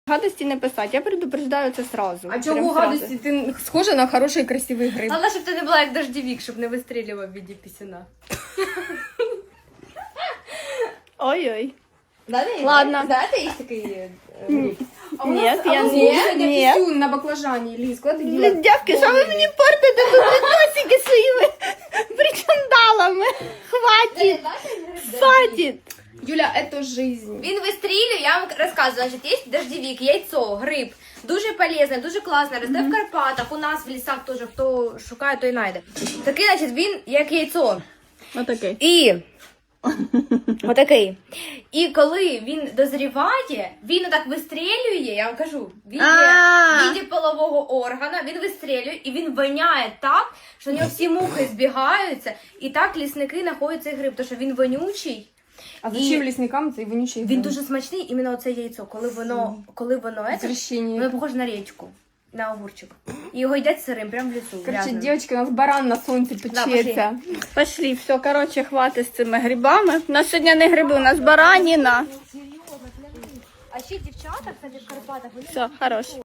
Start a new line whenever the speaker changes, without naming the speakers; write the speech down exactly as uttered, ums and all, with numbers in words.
Гадості не писати, я предупреждаю це сразу.
А чого гадості? Ти схожа на хороший красивий гриб.
Головне, щоб ти не була як дождевик, щоб не вистрілював в віді пісюна.
Ой-ой.
Знаєте,
Ладно.
Знаєте, є такий гриб?
Ні, я
А у
ні.
нас сьогодні
Ні.
пісюн на баклажані, Ліз, куди ти діла?
Дівки, що ви мені портите тут відносики своїми причандалами? Хватить, хватить.
Юля, это жизнь.
Він вистрілює, я вам розказую, значить, є дождевик, яйцо, гриб. Дуже полезне, дуже класне, росте в Карпатах, у нас в лісах теж, хто шукає, той знайде. Такий, значить, він як яйцо.
Отакий.
І отакий. І коли він дозріває, він отак вистрілює, я вам кажу, в віді,
А.
в віді полового органа, він вистрілює і він воняє так, що у нього всі мухи збігаються, і так лісники знаходять цей гриб, тому що він вонючий.
А зачем лісникам цей вонючий
Він
гриб?
дуже смачний, іменно оце яйцо, коли воно, коли воно, це,
Извращение.
воно похоже на річку, на огурчик. І його їдять сирим, прямо в лісу.
Короче,
грязним.
девочки, у нас баран на сонці печеться.
Пошли, все, коротше, хватить з цими грибами. У нас сьогодні не гриби, у нас бараніна.
А ще дівчата, кстати, в Карпатах, вони
Все, хорош.